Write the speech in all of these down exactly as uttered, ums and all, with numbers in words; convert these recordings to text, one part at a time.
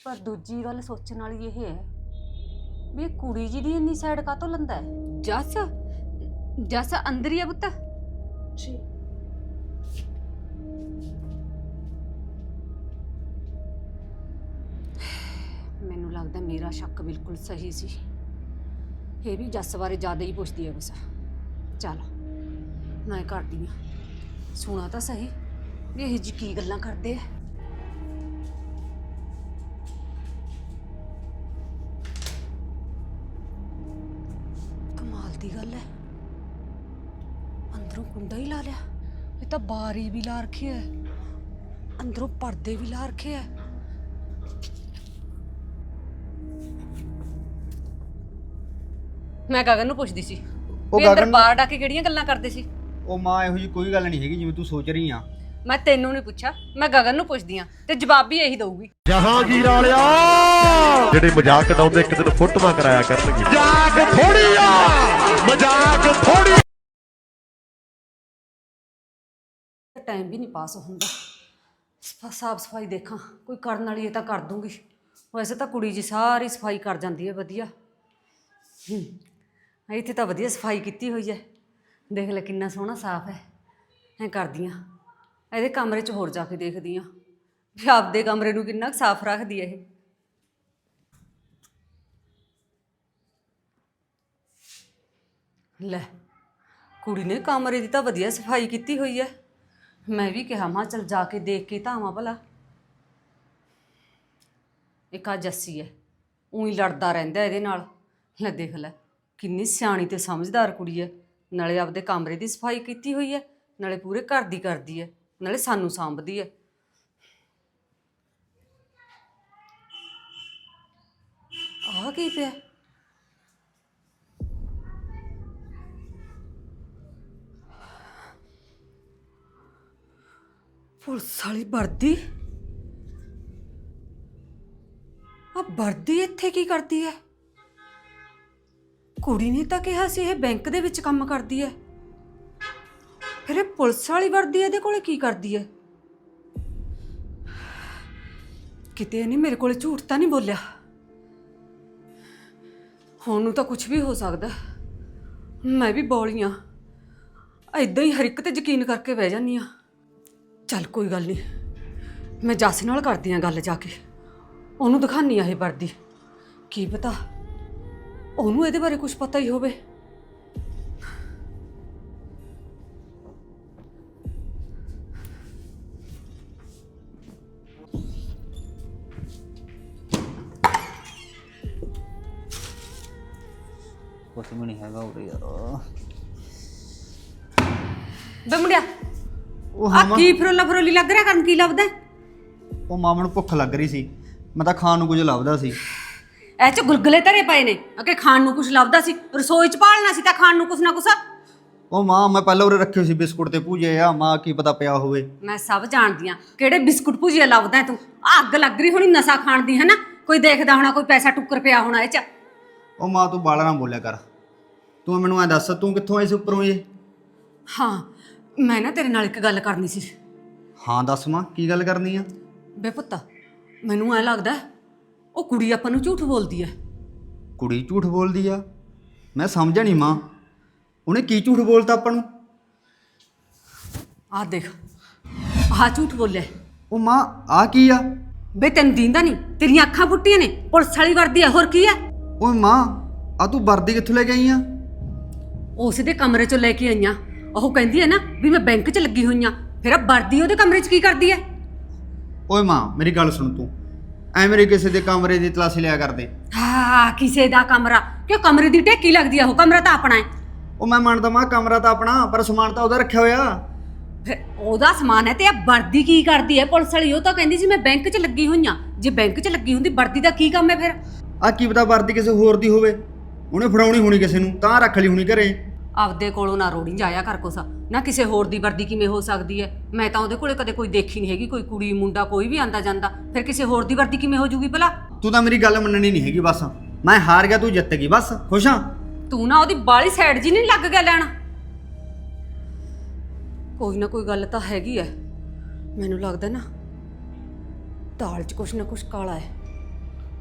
ਪਰ ਦੂਜੀ ਗੱਲ ਸੋਚਣ ਵਾਲੀ ਇਹ ਹੈ ਵੀ ਇਹ ਕੁੜੀ ਜੀ ਦੀ ਇੰਨੀ ਸਾਈਡ ਕਾਤੋਂ ਲੰਦਾ ਹੈ। ਜੱਸ ਜੱਸ ਅੰਦਰ ਹੀ ਆ ਪੁੱਤ। ਜੀ ਮੈਨੂੰ ਲੱਗਦਾ ਮੇਰਾ ਸ਼ੱਕ ਬਿਲਕੁਲ ਸਹੀ ਸੀ। ਇਹ ਵੀ ਜੱਸ ਬਾਰੇ ਜ਼ਿਆਦਾ ਹੀ ਪੁੱਛਦੀ ਹੈ ਬਸ। ਚੱਲ ਮੈਂ ਕਰਦੀ ਆ, ਸੁਣਾ ਤਾਂ ਸਹੀ ਵੀ ਇਹ ਜੀ ਕੀ ਗੱਲਾਂ ਕਰਦੇ ਆ। ਕਮਾਲ ਦੀ ਗੱਲ ਹੈ, ਅੰਦਰੋਂ ਕੁੰਡਾ ਹੀ ਲਾ ਲਿਆ। ਇਹ ਤਾਂ ਬਾਰੀ ਵੀ ਲਾ ਰੱਖੀ ਹੈ, ਅੰਦਰੋਂ ਪਰਦੇ ਵੀ ਲਾ ਰੱਖੇ ਹੈ। ਮੈਂ ਗਗਨ ਨੂੰ ਪੁੱਛਦੀ ਸੀ ਉਹ ਵੀ ਅੰਦਰ ਗਗਨ- ਬਾਹਰ ਡਾ ਕੇ ਕਿਹੜੀਆਂ ਗੱਲਾਂ ਕਰਦੇ ਸੀ। ਉਹ ਮਾਂ ਇਹੋ ਜੀ ਕੋਈ ਗੱਲ ਨਹੀਂ ਹੈਗੀ ਜਿਵੇਂ ਤੂੰ ਸੋਚ ਰਹੀ ਆ। ਮੈਂ ਤੈਨੂੰ ਨਹੀਂ ਪੁੱਛਿਆ, ਮੈਂ ਗਗਨ ਨੂੰ ਪੁੱਛਦੀ ਆ ਤੇ ਜਵਾਬ ਵੀ ਇਹੀ ਦਊਗੀ। ਜਹਾਂਗੀਰ ਵਾਲਿਆ ਜਿਹੜੇ ਮਜ਼ਾਕ ਉਡਾਉਂਦੇ ਇੱਕ ਦਿਨ ਫੋਟੋਆਂ ਕਰਾਇਆ ਕਰਨਗੇ। ਮਜ਼ਾਕ ਥੋੜੀ ਆ, ਮਜ਼ਾਕ ਥੋੜੀ। ਟਾਈਮ ਵੀ ਨਹੀਂ ਪਾਸ ਹੁੰਦਾ। ਸਾਫ ਸਫਾਈ ਦੇਖਾਂ ਕੋਈ ਕਰਨ ਵਾਲੀ ਇਹ ਤਾਂ ਕਰ ਦੂੰਗੀ। ਵੈਸੇ ਤਾਂ ਕੁੜੀ ਜੀ ਸਾਰੀ ਸਫਾਈ ਕਰ ਜਾਂਦੀ ਹੈ ਵਧੀਆ। ਹੂੰ ਇੱਥੇ ਤਾਂ ਵਧੀਆ ਸਫਾਈ ਕੀਤੀ ਹੋਈ ਹੈ, ਦੇਖ ਲੈ ਕਿੰਨਾ ਸੋਹਣਾ ਸਾਫ ਹੈ। ਐਂ ਕਰਦੀ ਹਾਂ ਇਹਦੇ ਕਮਰੇ 'ਚ ਹੋਰ ਜਾ ਕੇ ਦੇਖਦੀ ਹਾਂ ਵੀ ਆਪਦੇ ਕਮਰੇ ਨੂੰ ਕਿੰਨਾ ਸਾਫ ਰੱਖਦੀ ਹੈ ਇਹ। ਲੈ ਕੁੜੀ ਨੇ ਕਮਰੇ ਦੀ ਤਾਂ ਵਧੀਆ ਸਫਾਈ ਕੀਤੀ ਹੋਈ ਹੈ। ਮੈਂ ਵੀ ਕਿਹਾ ਮਾਂ ਚਲ ਜਾ ਕੇ ਦੇਖ ਕੇ ਤਾਂ ਆਵਾਂ ਭਲਾ। ਇੱਕ ਆ ਜੱਸੀ ਹੈ, ਉਹੀ ਲੜਦਾ ਰਹਿੰਦਾ ਇਹਦੇ ਨਾਲ। ਲੈ ਦੇਖ ਲੈ ਕਿੰਨੀ ਸਿਆਣੀ ਤੇ ਸਮਝਦਾਰ ਕੁੜੀ ਹੈ, ਨਾਲੇ ਆਪਦੇ ਕਮਰੇ ਦੀ ਸਫਾਈ ਕੀਤੀ ਹੋਈ ਹੈ, ਨਾਲੇ ਪੂਰੇ ਘਰ ਦੀ ਕਰਦੀ ਹੈ, ਨਾਲੇ ਸਾਨੂੰ ਸਾਂਭਦੀ ਹੈ। ਆਹ ਕੀ ਪਿਆ? ਪੁਲਿਸ ਵਾਲੀ ਵਰਦੀ। ਆ ਵਰਦੀ ਇੱਥੇ ਕੀ ਕਰਦੀ ਹੈ? ਕੁੜੀ ਨੇ ਤਾਂ ਕਿਹਾ ਸੀ ਇਹ ਬੈਂਕ ਦੇ ਵਿੱਚ ਕੰਮ ਕਰਦੀ ਹੈ, ਫਿਰ ਇਹ ਪੁਲਿਸ ਵਾਲੀ ਵਰਦੀ ਇਹਦੇ ਕੋਲੇ ਕੀ ਕਰਦੀ ਹੈ? ਕਿਤੇ ਨਹੀਂ ਮੇਰੇ ਕੋਲੇ ਝੂਠ ਤਾਂ ਨਹੀਂ ਬੋਲਿਆ। ਹੁਣ ਨੂੰ ਤਾਂ ਕੁਝ ਵੀ ਹੋ ਸਕਦਾ। ਮੈਂ ਵੀ ਬੋਲੀ ਹਾਂ, ਏਦਾਂ ਹੀ ਹਰ ਇੱਕ ਤੇ ਯਕੀਨ ਕਰਕੇ ਬਹਿ ਜਾਂਦੀ ਹਾਂ। ਚੱਲ ਕੋਈ ਗੱਲ ਨਹੀਂ, ਮੈਂ ਜੱਸ ਨਾਲ ਕਰਦੀ ਹਾਂ ਗੱਲ ਜਾ ਕੇ, ਉਹਨੂੰ ਦਿਖਾਨੀ ਆ ਇਹ ਵਰਦੀ। ਕੀ ਪਤਾ ਉਹਨੂੰ ਇਹਦੇ ਬਾਰੇ ਕੁਝ ਪਤਾ ਹੀ ਹੋਵੇ। ਕੁਛ ਵੀ ਨਹੀਂ ਹੈਗਾ ਉਰੇ ਯਾਰ। ਬੇ ਮੁੰਡਿਆ ਉਹ ਆ ਹਾਂ ਮਾਂ, ਕੀ ਫਰੋਲਾ ਫਰੋਲੀ ਲੱਗ ਰਿਹਾ, ਕਰਨ ਕੀ ਲੱਭਦਾ? ਉਹ ਮਾਂ ਮੈਨੂੰ ਭੁੱਖ ਲੱਗ ਰਹੀ ਸੀ, ਮੈਂ ਤਾਂ ਖਾਣ ਨੂੰ ਕੁਝ ਲੱਭਦਾ ਸੀ। ਐ ਚ ਗੁਲਗੁਲੇ ਧਰੇ ਪਏ ਨੇ, ਅਕੇ ਖਾਣ ਨੂੰ ਕੁਝ ਲੱਭਦਾ ਸੀ, ਰਸੋਈ ਚ ਭਾਲਣਾ ਸੀ ਤਾਂ ਖਾਣ ਨੂੰ ਕੁਛ ਨਾ ਕੁਛ। ਉਹ ਮਾਂ ਮੈਂ ਪਹਿਲਾਂ ਉਰੇ ਰੱਖੇ ਸੀ ਬਿਸਕੁਟ ਤੇ ਭੁਜੇ ਆ, ਮਾਂ ਕੀ ਪਤਾ ਪਿਆ ਹੋਵੇ। ਮੈਂ ਸਭ ਜਾਣਦੀ ਆ ਕਿਹੜੇ ਬਿਸਕੁਟ ਭੁਜੀਆ ਲੱਭਦਾ ਤੂੰ। ਆ ਅੱਗ ਲੱਗ ਰਹੀ ਹੋਣੀ ਨਸ਼ਾ ਖਾਣ ਦੀ, ਹੈ ਨਾ? ਕੋਈ ਦੇਖਦਾ ਹੋਣਾ, ਕੋਈ ਪੈਸਾ ਟੁੱਕਰ ਪਿਆ ਹੋਣਾ ਇਹ ਚ। ਉਹ ਮਾਂ ਤੂੰ ਬਾਲਾ ਨਾ ਬੋਲਿਆ ਕਰ। ਤੂੰ ਮੈਨੂੰ ਐ ਦੱਸ ਤੂੰ ਕਿੱਥੋਂ ਆਈ ਸੀ ਉੱਪਰੋਂ ਇਹ? ਹਾਂ ਮੈਂ ਨਾ ਤੇਰੇ ਨਾਲ ਇੱਕ ਗੱਲ ਕਰਨੀ ਸੀ। ਹਾਂ ਦੱਸ ਮਾਂ ਕੀ ਗੱਲ ਕਰਨੀ ਆ? ਬੇ ਪੁੱਤ ਮੈਨੂੰ ਐ ਲੱਗਦਾ ਉਹ ਕੁੜੀ ਆਪਾਂ ਨੂੰ ਝੂਠ ਬੋਲਦੀ ਐ। ਕੁੜੀ ਝੂਠ ਬੋਲਦੀ ਆ? ਮੈਂ ਸਮਝਿਆ ਨਹੀਂ ਮਾਂ, ਉਹਨੇ ਕੀ ਝੂਠ ਬੋਲਤਾ ਆਪਾਂ ਨੂੰ? ਆਹ ਦੇਖ ਆਹ ਝੂਠ ਬੋਲਿਆ। ਉਹ ਮਾਂ ਆ ਕੀ ਆ? ਬੇ ਤੈਨੂੰ ਦੀਂਦਾ ਨਹੀਂ, ਤੇਰੀਆਂ ਅੱਖਾਂ ਫੁੱਟੀਆਂ ਨੇ। ਪੁਲਿਸ ਵਾਲੀ ਵਰਦੀ ਐ, ਹੋਰ ਕੀ ਐ? ਓਏ ਮਾਂ ਆ ਤੂੰ ਵਰਦੀ ਕਿੱਥੋਂ ਲੈ ਕੇ ਆਈ ਆ? ਉਸ ਦੇ ਕਮਰੇ ਚੋਂ ਲੈ ਕੇ ਆਈਆਂ। ਉਹ ਕਹਿੰਦੀ ਐ ਨਾ ਵੀ ਮੈਂ ਬੈਂਕ 'ਚ ਲੱਗੀ ਹੋਈ ਆ, ਫਿਰ ਆ ਵਰਦੀ ਉਹਦੇ ਕਮਰੇ 'ਚ ਕੀ ਕਰਦੀ ਐ? ਓਏ ਮਾਂ ਮੇਰੀ ਗੱਲ ਸੁਣ, ਤੂੰ ਐ ਮੇਰੇ ਕਿਸੇ ਦੇ ਕਮਰੇ ਦੀ ਤਲਾਸ਼ੀ ਲਿਆ ਕਰਦੇ। ਹਾਂ ਕਿਸੇ ਦਾ ਕਮਰਾ ਕਿਉਂ? ਕਮਰੇ ਦੀ ਟੇਕੀ ਲੱਗਦੀ ਆ, ਉਹ ਕਮਰਾ ਤਾਂ ਆਪਣਾ ਹੈ। ਉਹ ਮੈਂ ਮੰਨਦਾ ਮਾਂ ਕਮਰਾ ਤਾਂ ਆਪਣਾ, ਪਰ ਸਮਾਨ ਤਾਂ ਉਹਦਾ ਰੱਖਿਆ ਹੋਇਆ। ਫਿਰ ਉਹਦਾ ਸਮਾਨ ਹੈ ਤੇ ਆ ਵਰਦੀ ਕੀ ਕਰਦੀ ਐ ਪੁਲਿਸ ਵਾਲੀ? ਉਹ ਤਾਂ ਕਹਿੰਦੀ ਸੀ ਮੈਂ ਬੈਂਕ 'ਚ ਲੱਗੀ ਹੋਈ ਆ। ਜੇ ਬੈਂਕ 'ਚ ਲੱਗੀ ਹੁੰਦੀ ਵਰਦੀ ਦਾ ਕੀ ਕੰਮ ਹੈ ਫਿਰ? ਆ ਕੀ ਪਤਾ ਵਰਦੀ ਕਿਸੇ ਹੋਰ ਦੀ ਹੋਵੇ, ਉਹਨੇ ਫੜਾਉਣੀ ਹੋਣੀ ਕਿਸੇ ਨੂੰ, ਤਾਂ ਰੱਖ ਲਈ ਹੋਣੀ ਘਰੇ। ਆਪਦੇ ਕੋਲੋਂ ਨਾ ਰੋੜੀ ਜਾਇਆ ਕਰ ਕੁਛ ਨਾ। ਕਿਸੇ ਹੋਰ ਦੀ ਵਰਦੀ ਕਿਵੇਂ ਹੋ ਸਕਦੀ ਹੈ? ਮੈਂ ਤਾਂ ਉਹਦੇ ਕੋਲੇ ਕਦੇ ਕੋਈ ਦੇਖੀ ਨਹੀਂ ਹੈਗੀ, ਕੋਈ ਕੁੜੀ ਮੁੰਡਾ ਕੋਈ ਵੀ ਆਂਦਾ ਜਾਂਦਾ, ਫਿਰ ਕਿਸੇ ਹੋਰ ਦੀ ਵਰਦੀ ਕਿਵੇਂ ਹੋ ਜੂਗੀ ਭਲਾ? ਤੂੰ ਤਾਂ ਮੇਰੀ ਗੱਲ ਮੰਨਣੀ ਨਹੀਂ ਹੈਗੀ। ਬਸ ਮੈਂ ਹਾਰ ਗਿਆ, ਤੂੰ ਜਿੱਤ ਗਈ, ਬਸ ਖੁਸ਼ ਹਾਂ। ਤੂੰ ਨਾ ਉਹਦੀ ਬਾਲੀ ਸਾਈਡ ਜੀ ਨਹੀਂ ਲੱਗ ਗਿਆ ਲੈਣ। ਕੋਈ ਨਾ ਕੋਈ ਗੱਲ ਤਾਂ ਹੈਗੀ ਐ। ਮੈਨੂੰ ਲੱਗਦਾ ਨਾ ਦਾਲ 'ਚ ਕੁਛ ਨਾ ਕੁਛ ਕਾਲਾ ਹੈ।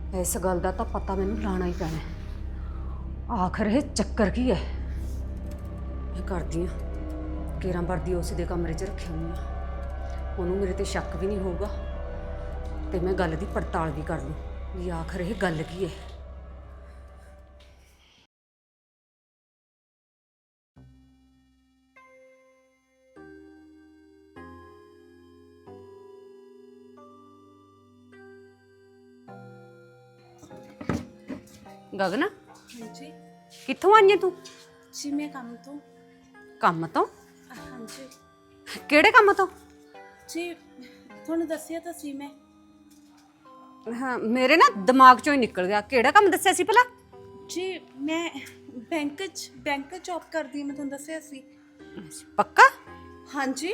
ਇਸ ਗੱਲ ਦਾ ਤਾਂ ਪਤਾ ਮੈਨੂੰ ਲਾਣਾ ਹੀ ਪੈਣਾ ਹੈ। ਆਖਰ ਇਹ ਚੱਕਰ ਕੀ ਹੈ? ਮੈਂ ਕਰਦੀ ਹਾਂ ਕੇਰਾਂ ਵਰਦੀ ਉਸੇ ਦੇ ਕਮਰੇ 'ਚ ਰੱਖੀ ਹੋਈ ਆ, ਉਹਨੂੰ ਮੇਰੇ ਤੇ ਸ਼ੱਕ ਵੀ ਨਹੀਂ ਹੋਊਗਾ ਤੇ ਮੈਂ ਗੱਲ ਦੀ ਪੜਤਾਲ ਵੀ ਕਰ ਲੂੰ ਵੀ ਆਖਰ ਇਹ ਗੱਲ ਕੀ ਹੈ। ਗਗਨ, ਹਾਂਜੀ ਕਿੱਥੋਂ ਆਈ ਹੈ ਤੂੰ? ਜੀ ਮੈਂ ਕੰਮ ਤੋਂ। ਕੰਮ ਤੋਂ? ਹਾਂਜੀ ਕਿਹੜੇ ਕੰਮ ਤੋਂ? ਜੀ ਤੁਹਾਨੂੰ ਦੱਸਿਆ ਤਾਂ ਸੀ ਮੈਂ। ਹਾਂ, ਮੇਰੇ ਨਾ ਦਿਮਾਗ ਚੋਂ ਹੀ ਨਿਕਲ ਗਿਆ। ਕਿਹੜਾ ਕੰਮ ਦੱਸਿਆ ਸੀ ਭਲਾ? ਜੀ ਮੈਂ ਬੈਂਕ 'ਚ ਬੈਂਕ 'ਚ ਜੌਬ ਕਰਦੀ ਹਾਂ, ਮੈਂ ਤੁਹਾਨੂੰ ਦੱਸਿਆ ਸੀ। ਪੱਕਾ? ਹਾਂਜੀ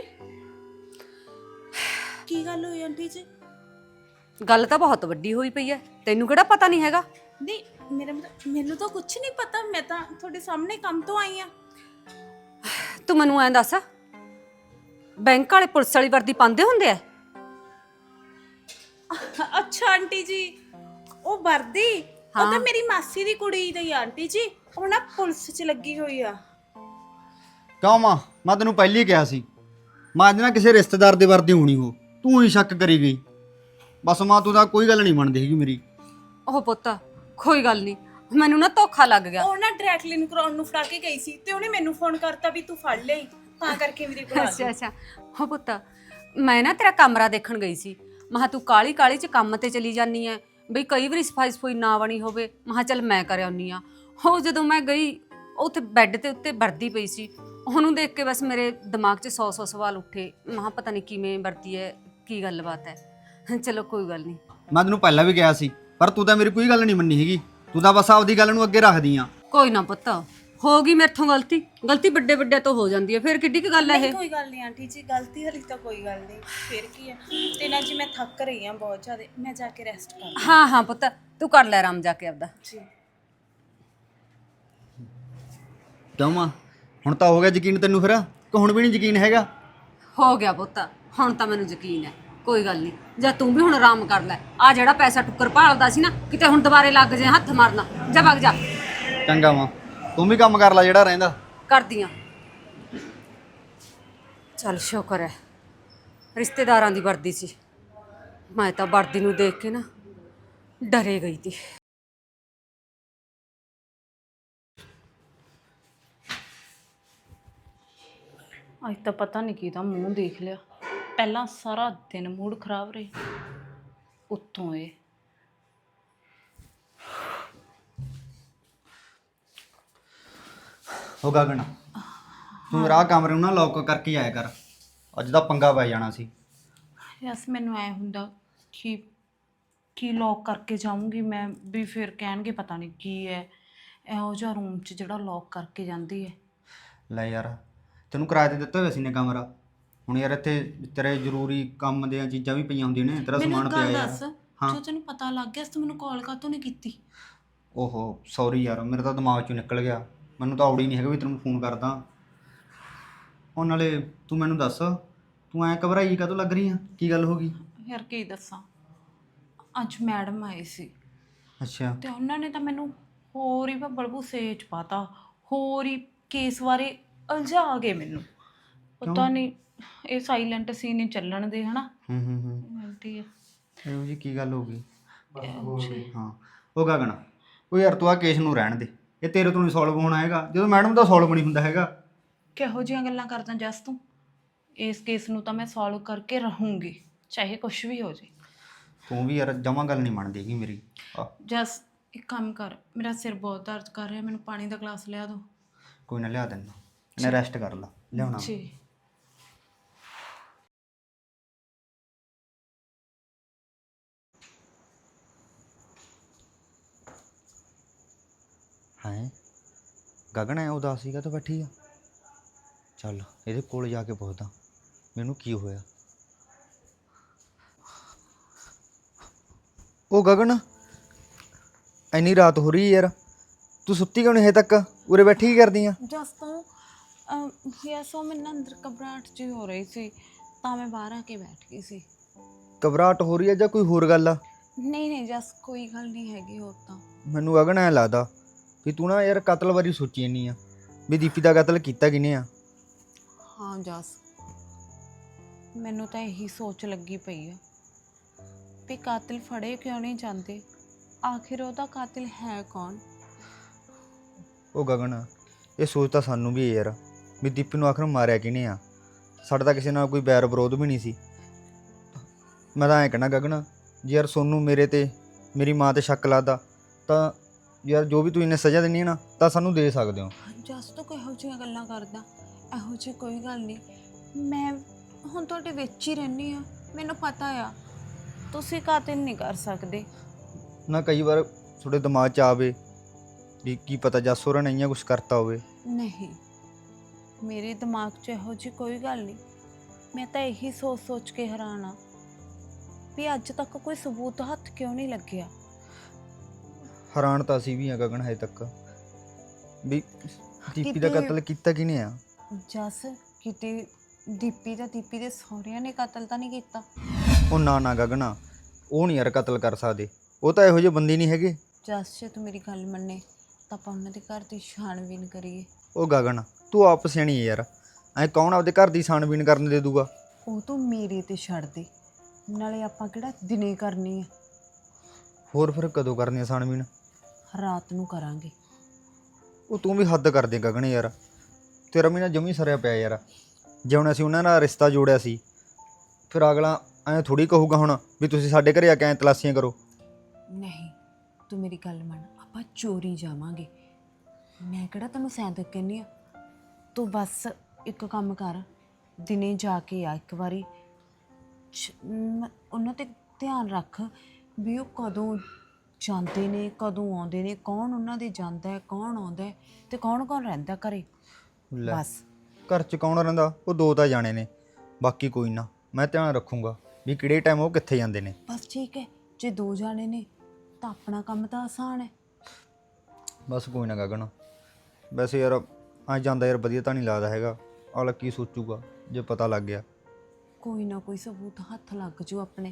ਕੀ ਗੱਲ ਹੋਈ ਆਂਟੀ ਜੀ? ਗੱਲ ਤਾਂ ਬਹੁਤ ਵੱਡੀ ਹੋਈ ਪਈ ਹੈ, ਤੈਨੂੰ ਕਿਹੜਾ ਪਤਾ ਨਹੀਂ ਹੈਗਾ? ਨਹੀਂ ਮੇਰਾ ਮਤਲਬ ਮੈਨੂੰ ਤਾਂ ਕੁਝ ਨਹੀਂ ਪਤਾ, ਮੈਂ ਤਾਂ ਤੁਹਾਡੇ ਸਾਹਮਣੇ ਕੰਮ ਤੋਂ ਆਈ ਹਾਂ। ਤੂੰ ਮੈਨੂੰ ਐਂ ਦੱਸ, ਬੈਂਕ ਵਾਲੇ ਪੁਲਿਸ ਵਾਲੀ ਵਰਦੀ ਪਾਉਂਦੇ ਹੁੰਦੇ ਆ? ਅੱਛਾ ਆਂਟੀ ਜੀ, ਉਹ ਵਰਦੀ ਉਹ ਤਾਂ ਮੇਰੀ ਮਾਸੀ ਦੀ ਕੁੜੀ ਦੀ ਆ ਆਂਟੀ ਜੀ, ਉਹ ਨਾ ਪੁਲਿਸ 'ਚ ਲੱਗੀ ਹੋਈ ਆ। ਕਿਉਂ ਮਾਂ? ਮੈਂ ਤੈਨੂੰ ਪਹਿਲੀ ਕਿਹਾ ਸੀ ਮਾਂ ਅੱਜ ਨਾ ਕਿਸੇ ਰਿਸ਼ਤੇਦਾਰ ਦੇ ਵਰਦੀ ਹੋਣੀ ਹੋ, ਤੂੰ ਹੀ ਸ਼ੱਕ ਕਰੀ ਗਈ। ਬਸ ਮਾਂ ਤੂੰ ਤਾਂ ਕੋਈ ਗੱਲ ਨਹੀਂ ਮੰਨਦੀ ਹੈਗੀ ਮੇਰੀ। ਉਹ ਪੁੱਤ ਕੋਈ ਗੱਲ ਨਹੀਂ, ਮੈਨੂੰ ਨਾ ਧੋਖਾ ਲੱਗ ਗਿਆ। ਉਹ ਨਾ ਡਾਇਰੈਕਟਲੀ ਨੂੰ ਕਰਾਉਣ ਨੂੰ ਫੜਾ ਕੇ ਗਈ ਸੀ ਤੇ ਉਹਨੇ ਮੈਨੂੰ ਫੋਨ ਕਰਤਾ ਵੀ ਤੂੰ ਫੜ ਲਈ, ਤਾਂ ਕਰਕੇ ਮੇਰੇ ਕੋਲ ਆ ਅੱਛਾ ਅੱਛਾ। ਉਹ ਪੁੱਤ ਮੈਂ ਨਾ ਤੇਰਾ ਕਮਰਾ ਦੇਖਣ ਗਈ ਸੀ, ਮਹਾ ਤੂੰ ਕਾਲੀ ਕਾਲੀ ਚ ਕੰਮ ਤੇ ਚਲੀ ਜਾਨੀ ਐ ਬਈ ਕਈ ਵਾਰੀ ਸਫਾਈ ਸਫੂਈ ਨਾ ਬਣੀ ਹੋਵੇ, ਮਹਾ ਚੱਲ ਮੈਂ ਕਰ ਆਉਣੀ ਆ। ਉਹ ਜਦੋਂ ਮੈਂ ਗਈ ਉੱਥੇ ਬੈੱਡ ਤੇ ਉੱਤੇ ਵਰਦੀ ਪਈ ਸੀ, ਉਹਨੂੰ ਦੇਖ ਕੇ ਬਸ ਮੇਰੇ ਦਿਮਾਗ 'ਚ ਸੌ ਸੌ ਸਵਾਲ ਉੱਠੇ। ਮਹਾ ਪਤਾ ਨਹੀਂ ਕਿਵੇਂ ਵਰਦੀ ਹੈ, ਕੀ ਗੱਲਬਾਤ ਹੈ। ਚਲੋ ਕੋਈ ਗੱਲ ਨਹੀਂ। ਮੈਂ ਤੈਨੂੰ ਪਹਿਲਾਂ ਵੀ ਕਿਹਾ ਸੀ ਪਰ ਤੂੰ ਤਾਂ ਮੇਰੀ ਕੋਈ ਗੱਲ ਨਹੀਂ ਮੰਨੀ ਹੈਗੀ, ਤੂੰ ਤਾਂ ਬਸ ਆਪਦੀ ਗੱਲ ਨੂੰ ਅੱਗੇ ਰੱਖਦੀ ਆ। ਕੋਈ ਨਾ ਪੁੱਤ, ਹੋ ਗਈ ਮੇਰਥੋਂ ਗਲਤੀ। ਗਲਤੀ ਵੱਡੇ ਵੱਡੇ ਤੋਂ ਹੋ ਜਾਂਦੀ ਹੈ, ਫਿਰ ਕਿੱਡੀ ਕੁ ਗੱਲ ਹੈ ਨਹੀਂ ਇਹ? ਕੋਈ ਗੱਲ ਨਹੀਂ ਆਂਟੀ ਜੀ, ਗਲਤੀ ਵਾਲੀ ਤਾਂ ਕੋਈ ਗੱਲ ਨਹੀਂ, ਫਿਰ ਕੀ ਹੈ। ਤੇ ਨਾ ਜੀ ਮੈਂ ਥੱਕ ਰਹੀ ਹਾਂ ਬਹੁਤ ਜ਼ਿਆਦਾ, ਮੈਂ ਜਾ ਕੇ ਰੈਸਟ ਕਰ। ਹਾਂ ਹਾਂ ਪੁੱਤ, ਤੂੰ ਕਰ ਲੈ ਆਰਾਮ ਜਾ ਕੇ ਆਪਦਾ। ਜੀ ਕਿਉਂ ਮਾਂ ਹੁਣ ਤਾਂ ਹੋ ਗਿਆ ਯਕੀਨ ਤੈਨੂੰ ਫਿਰ, ਕਿ ਹੁਣ ਵੀ ਨਹੀਂ ਯਕੀਨ ਹੈਗਾ? ਹੋ ਗਿਆ ਪੁੱਤ, ਹੁਣ ਤਾਂ ਮੈਨੂੰ ਯਕੀਨ ਹੈ। ਕੋਈ ਗੱਲ ਨਹੀਂ, ਜਾਂ ਤੂੰ ਵੀ ਹੁਣ ਆਰਾਮ ਕਰ ਲੈ। ਆ ਜਿਹੜਾ ਪੈਸਾ ਟੁੱਕਰ ਭਾਲਦਾ ਸੀ ਨਾ, ਕਿਤੇ ਹੁਣ ਦੁਬਾਰੇ ਲੱਗ ਜੇ ਹੱਥ ਮਾਰਨਾ। ਜਾ ਵਗ ਜਾ। ਚੰਗਾ ਮਾਂ, ਤੂੰ ਵੀ ਕੰਮ ਕਰ ਲੈ ਜਿਹੜਾ ਰਹਿੰਦਾ। ਕਰਦੀਆਂ। ਚੱਲ ਸ਼ੁਕਰ ਹੈ ਰਿਸ਼ਤੇਦਾਰਾਂ ਦੀ ਵਰਦੀ ਸੀ, ਮੈਂ ਤਾਂ ਵਰਦੀ ਨੂੰ ਦੇਖ ਕੇ ਨਾ ਡਰੇ ਗਈ ਤੀ। ਅੱਜ ਤਾਂ ਪਤਾ ਨਹੀਂ ਕਿਹਦਾ ਮੂੰਹ ਦੇਖ ਲਿਆ। ਪਹਿਲਾਂ ਸਾਰਾ ਦਿਨ ਮੂਡ ਖਰਾਬ ਰਹੇ, ਉੱਤੋਂ ਇਹ। ਹੋ ਗਗਨ, ਤੂੰ ਮੇਰਾ ਆਹ ਕਮਰੇ ਨੂੰ ਨਾ ਲੌਕ ਕਰਕੇ ਆਇਆ ਕਰ, ਅੱਜ ਦਾ ਪੰਗਾ ਪੈ ਜਾਣਾ ਸੀ। ਯਸ ਮੈਨੂੰ ਐ ਹੁੰਦਾ ਕਿ ਕੀ ਲੌਕ ਕਰਕੇ ਜਾਊਂਗੀ ਮੈਂ ਵੀ, ਫਿਰ ਕਹਿਣਗੇ ਪਤਾ ਨਹੀਂ ਕੀ ਹੈ ਇਹੋ ਜਿਹਾ ਰੂਮ 'ਚ ਜਿਹੜਾ ਲੌਕ ਕਰਕੇ ਜਾਂਦੀ ਹੈ। ਲੈ ਯਾਰ, ਤੈਨੂੰ ਕਿਰਾਏ ਤੇ ਦਿੱਤਾ ਹੋਇਆ ਸੀ ਨੇ ਕਮਰਾ, ਹੁਣ ਯਾਰ ਇੱਥੇ ਤੇਰੇ ਜ਼ਰੂਰੀ ਕੰਮ ਦੀਆਂ ਚੀਜ਼ਾਂ ਵੀ ਪਈਆਂ ਹੁੰਦੀਆਂ ਨੇ, ਤੇਰਾ ਸਮਾਨ ਪਿਆ ਯਾਰ। ਹਾਂ ਜੋ ਤੈਨੂੰ ਪਤਾ ਲੱਗ ਗਿਆ ਤੂੰ ਮੈਨੂੰ ਕਾਲ ਕਾਹਤੋਂ ਨਹੀਂ ਕੀਤੀ? ਓਹੋ ਸੌਰੀ ਯਾਰ, ਮੇਰੇ ਤਾਂ ਦਿਮਾਗ 'ਚੋਂ ਨਿਕਲ ਗਿਆ, ਮੈਨੂੰ ਤਾਂ ਔੜੀ ਨਹੀਂ ਹੈਗਾ ਵੀ ਤੈਨੂੰ ਫੋਨ ਕਰਦਾ। ਉਹ ਨਾਲੇ ਤੂੰ ਮੈਨੂੰ ਦੱਸ, ਤੂੰ ਐਂ ਘਬਰਾਈ ਕਾਹਤੋਂ ਲੱਗ ਰਹੀ ਆ? ਕੀ ਗੱਲ ਹੋ ਗਈ? ਯਾਰ ਕੀ ਦੱਸਾਂ, ਅੱਜ ਮੈਡਮ ਆਏ ਸੀ ਅੱਛਾ। ਤੇ ਉਹਨਾਂ ਨੇ ਤਾਂ ਮੈਨੂੰ ਹੋਰ ਹੀ ਭੱਬਲ ਭੂਸੇ 'ਚ ਪਾਤਾ, ਹੋਰ ਹੀ ਕੇਸ ਬਾਰੇ ਉਲਝਾ ਗਏ ਮੈਨੂੰ। ਪਤਾ ਨਹੀਂ ਇਹ ਸਾਇਲੈਂਟ ਸੀ ਨਹੀਂ ਚੱਲਣ ਦੇ, ਹਨਾ। ਹੂੰ ਹੂੰ ਹੂੰ ਆਂਟੀ ਇਹੋ ਜੀ ਕੀ ਗੱਲ ਹੋ ਗਈ? ਹਾਂ ਉਹ ਗਗਨ, ਉਹ ਯਾਰ ਤੂੰ ਆ ਕੇਸ ਨੂੰ ਰਹਿਣ ਦੇ, ਇਹ ਤੇਰੇ ਤੋਂ ਨਹੀਂ ਸੋਲਵ ਹੋਣਾ ਹੈਗਾ, ਜਦੋਂ ਮੈਡਮ ਦਾ ਸੋਲਵ ਨਹੀਂ ਹੁੰਦਾ ਹੈਗਾ। ਕਿਹੋ ਜਿਹੀਆਂ ਗੱਲਾਂ ਕਰਦਾ ਜਸ ਤੂੰ? ਇਸ ਕੇਸ ਨੂੰ ਤਾਂ ਮੈਂ ਸੋਲਵ ਕਰਕੇ ਰਹੂੰਗੀ, ਚਾਹੇ ਕੁਝ ਵੀ ਹੋ ਜਾਏ। ਤੂੰ ਵੀ ਯਾਰ ਜਮਾਂ ਗੱਲ ਨਹੀਂ ਮੰਨਦੀ ਹੈਗੀ ਮੇਰੀ। ਆ ਜਸ ਇੱਕ ਕੰਮ ਕਰ, ਮੇਰਾ ਸਿਰ ਬਹੁਤ ਦਰਦ ਕਰ ਰਿਹਾ, ਮੈਨੂੰ ਪਾਣੀ ਦਾ ਗਲਾਸ ਲਿਆ ਦਿਓ। ਕੋਈ ਨਾ ਲਿਆ ਦਿੰਦਾ, ਮੈਂ ਰੈਸਟ ਕਰ ਲਾ, ਲਿਆਉਣਾ। ਜੀ ਹੈ ਗਗਨ ਐ ਉਦਾਸ ਸੀਗਾ ਤਾਂ ਬੈਠੀ ਆ, ਚੱਲ ਇਹਦੇ ਕੋਲ ਜਾ ਕੇ ਪੁੱਛਦਾ ਮੈਨੂੰ ਕੀ ਹੋਇਆ। ਉਹ ਗਗਨ, ਇੰਨੀ ਰਾਤ ਹੋ ਰਹੀ ਯਾਰ, ਤੂੰ ਸੁੱਤੀ ਕਿਉਂ ਨਹੀਂ ਹਜੇ ਤੱਕ? ਉਰੇ ਬੈਠੀ ਕੀ ਕਰਦੀ ਆ? ਜਸ ਤੋਂ ਯਸ ਉਹ ਮੈਨੂੰ ਅੰਦਰ ਘਬਰਾਹਟ ਜਿਹੀ ਹੋ ਰਹੀ ਸੀ, ਤਾਂ ਮੈਂ ਬਾਹਰ ਆ ਕੇ ਬੈਠ ਗਈ ਸੀ। ਘਬਰਾਹਟ ਹੋ ਰਹੀ ਹੈ ਜਾਂ ਕੋਈ ਹੋਰ ਗੱਲ ਆ? ਨਹੀਂ ਨਹੀਂ ਜਸ ਕੋਈ ਗੱਲ ਨਹੀਂ ਹੈਗੀ ਹੋਰ ਤਾਂ। ਮੈਨੂੰ ਗਗਨ ਐਂ ਲੱਗਦਾ ਵੀ ਤੂੰ ਨਾ ਯਾਰ ਕਤਲ ਬਾਰੇ ਸੋਚੀ ਜਾਂਦੀ ਆ ਵੀ ਦੀਪੀ ਦਾ ਕਤਲ ਕੀਤਾ ਕਿਹਨੇ ਆ। ਹਾਂ ਜਸ ਮੈਨੂੰ ਤਾਂ ਇਹੀ ਸੋਚ ਲੱਗੀ ਪਈ ਆ ਵੀ ਕਾਤਿਲ ਫੜੇ ਕਿਉਂ ਨਹੀਂ ਜਾਂਦੇ, ਆਖਿਰ ਉਹਦਾ ਕਾਤਿਲ ਹੈ ਕੌਣ। ਉਹ ਗਗਨ ਇਹ ਸੋਚ ਤਾਂ ਸਾਨੂੰ ਵੀ ਹੈ ਯਾਰ ਵੀ ਦੀਪੀ ਨੂੰ ਆਖਰ ਮਾਰਿਆ ਕਿਹਨੇ ਆ। ਸਾਡਾ ਤਾਂ ਕਿਸੇ ਨਾਲ ਕੋਈ ਬੈਰ ਵਿਰੋਧ ਵੀ ਨਹੀਂ ਸੀ। ਮੈਂ ਤਾਂ ਐਂ ਕਹਿਣਾ ਗਗਨ ਜੇ ਯਾਰ ਸੋਨੂੰ ਮੇਰੇ ਤੇ ਮੇਰੀ ਮਾਂ ਤੇ ਸ਼ੱਕ ਲੱਗਦਾ ਤਾਂ ਯਾਰ ਜੋ ਵੀ ਤੂੰ ਇਹਨੇ ਸਜ਼ਾ ਦੇਣੀ ਹੈ ਨਾ ਤਾਂ ਸਾਨੂੰ ਦੇ ਸਕਦੇ ਹੋ। ਜਸ ਤੂੰ ਕਿਹੋ ਜਿਹੀਆਂ ਗੱਲਾਂ ਕਰਦਾ, ਇਹੋ ਜਿਹੀ ਕੋਈ ਗੱਲ ਨਹੀਂ। ਮੈਂ ਹੁਣ ਤੁਹਾਡੇ ਵਿੱਚ ਹੀ ਰਹਿੰਦੀ ਆ, ਮੈਨੂੰ ਪਤਾ ਆ ਤੁਸੀਂ ਕਾਤਿਲ ਨਹੀਂ ਕਰ ਸਕਦੇ। ਨਾ ਕਈ ਵਾਰ ਤੁਹਾਡੇ ਦਿਮਾਗ 'ਚ ਆਵੇ ਵੀ ਕੀ ਪਤਾ ਜੱਸ ਹੋਰਾਂ ਨੇ ਇੰਨਾ ਕੁਛ ਕਰਤਾ ਹੋਵੇ। ਨਹੀਂ ਮੇਰੇ ਦਿਮਾਗ 'ਚ ਇਹੋ ਜਿਹੀ ਕੋਈ ਗੱਲ ਨਹੀਂ। ਮੈਂ ਤਾਂ ਇਹੀ ਸੋਚ ਸੋਚ ਕੇ ਹੈਰਾਨ ਆ ਵੀ ਅੱਜ ਤੱਕ ਕੋਈ ਸਬੂਤ ਹੱਥ ਕਿਉਂ ਨਹੀਂ ਲੱਗਿਆ। ਹੈਰਾਨ ਤਾਂ ਅਸੀਂ ਵੀ ਆ ਗਗਨ ਹਜੇ ਤੱਕ ਵੀ ਦੀਪੀ ਦਾ ਕਿਤੇ- ਕਤਲ ਕੀਤਾ ਕਿਹਨੇ ਆ। ਜਸ ਕਿਤੇ ਦੀਪੀ ਦਾ ਦੀਪੀ ਦੇ ਸਹੁਰਿਆਂ ਨੇ ਕਤਲ ਤਾਂ ਨਹੀਂ ਕੀਤਾ। ਉਹ ਨਾ ਨਾ ਗਗਨਾ ਉਹ ਨਹੀਂ ਯਾਰ ਕਤਲ ਕਰ ਸਕਦੇ, ਉਹ ਤਾਂ ਇਹੋ ਜਿਹੇ ਬੰਦੇ ਨਹੀਂ ਹੈਗੇ। ਜਸ ਜੇ ਤੂੰ ਮੇਰੀ ਗੱਲ ਮੰਨੇ ਤਾਂ ਆਪਾਂ ਉਹਨਾਂ ਦੇ ਘਰ ਦੀ ਛਾਣਬੀਨ ਕਰੀਏ। ਉਹ ਗਗਨ ਤੂੰ ਆਪ ਸਿਆਣੀ ਹੈ ਯਾਰ, ਐ ਕੌਣ ਆਪਦੇ ਘਰ ਦੀ ਛਾਣਬੀਨ ਕਰਨ ਦੇ ਦੂਗਾ। ਉਹ ਤੂੰ ਮੇਰੇ ਤੇ ਛੱਡ ਦੇ, ਨਾਲੇ ਆਪਾਂ ਕਿਹੜਾ ਦਿਨੇ ਕਰਨੀ ਆ, ਹੋਰ ਫਿਰ ਕਦੋਂ ਕਰਨੀ ਆ ਛਾਣਬੀਨ। ਰਾਤ ਨੂੰ ਕਰਾਂਗੇ। ਉਹ ਤੂੰ ਵੀ ਹੱਦ ਕਰ ਦੇ ਗਗਨ ਯਾਰ, ਤੇਰਾ ਵੀ ਨਾ ਜਮੀ ਸਰਿਆ ਪਿਆ ਯਾਰ। ਜੇ ਹੁਣ ਅਸੀਂ ਉਹਨਾਂ ਨਾਲ ਰਿਸ਼ਤਾ ਜੋੜਿਆ ਸੀ ਫਿਰ ਅਗਲਾ ਐਂ ਥੋੜੀ ਕਹੂਗਾ ਹੁਣ ਵੀ ਤੁਸੀਂ ਸਾਡੇ ਘਰੇ ਆ ਕੇ ਐਂ ਤਲਾਸ਼ੀਆਂ ਕਰੋ। ਨਹੀਂ ਤੂੰ ਮੇਰੀ ਗੱਲ ਮੰਨ, ਆਪਾਂ ਚੋਰੀ ਜਾਵਾਂਗੇ। ਮੈਂ ਕਿਹੜਾ ਤੈਨੂੰ ਸੈਂਦਕ ਕਹਿੰਦੀ ਆ, ਤੂੰ ਬਸ ਇੱਕ ਕੰਮ ਕਰ, ਦਿਨੇ ਜਾ ਕੇ ਆ ਇੱਕ ਵਾਰੀ ਛ- ਮ- ਉਹਨਾਂ ਤੇ ਧਿਆਨ ਰੱਖ ਵੀ ਉਹ ਕਦੋਂ ਜਾਂਦੇ ਨੇ ਕਦੋਂ ਆਉਂਦੇ ਨੇ, ਕੌਣ ਉਹਨਾਂ ਦੇ ਜਾਂਦਾ ਹੈ ਕੌਣ ਆਉਂਦਾ ਹੈ ਤੇ ਕੌਣ ਕੌਣ ਰਹਿੰਦਾ ਘਰੇ। ਲੈ ਬਸ ਘਰ 'ਚ ਕੌਣ ਰਹਿੰਦਾ, ਉਹ ਦੋ ਤਾਂ ਜਾਣੇ ਨੇ, ਬਾਕੀ ਕੋਈ ਨਾ ਮੈਂ ਧਿਆਨ ਰੱਖੂੰਗਾ ਵੀ ਕਿਹੜੇ ਟਾਈਮ ਉਹ ਕਿੱਥੇ ਜਾਂਦੇ ਨੇ। ਬਸ ਠੀਕ ਹੈ, ਜੇ ਦੋ ਜਾਣੇ ਨੇ ਤਾਂ ਆਪਣਾ ਕੰਮ ਤਾਂ ਆਸਾਨ ਹੈ। ਬਸ ਕੋਈ ਨਾ ਗਗਨ, ਵੈਸੇ ਯਾਰ ਆ ਜਾਂਦਾ ਯਾਰ ਵਧੀਆ ਤਾਂ ਨਹੀਂ ਲੱਗਦਾ ਹੈਗਾ। ਅਗਲਾ ਕੀ ਸੋਚੂਗਾ ਜੇ ਪਤਾ ਲੱਗ ਗਿਆ। ਕੋਈ ਨਾ ਕੋਈ ਸਬੂਤ ਹੱਥ ਲੱਗ ਜੂ ਆਪਣੇ,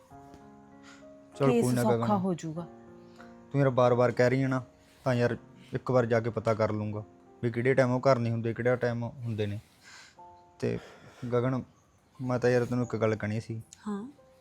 ਚਲ ਕੇਸ ਕੋਈ ਨਾ ਸੌਖਾ ਗਗਨ, ਹੋ ਜਾਊਗਾ। ਤੂੰ ਯਾਰ ਬਾਰ-ਬਾਰ ਕਹਿ ਰਹੀ ਹੈ ਨਾ ਤਾਂ ਯਾਰ ਇੱਕ ਵਾਰ ਜਾ ਕੇ ਪਤਾ ਕਰ ਲੂੰਗਾ ਵੀ ਕਿਹੜੇ ਟਾਈਮ ਉਹ ਘਰ ਨਹੀਂ ਹੁੰਦੇ ਕਿਹੜਾ ਟਾਈਮ ਹੁੰਦੇ ਨੇ। ਤੇ ਗਗਨ ਮੈਂ ਤਾਂ ਯਾਰ ਤੈਨੂੰ ਇੱਕ ਗੱਲ ਕਹਿਣੀ ਸੀ। ਹਾਂ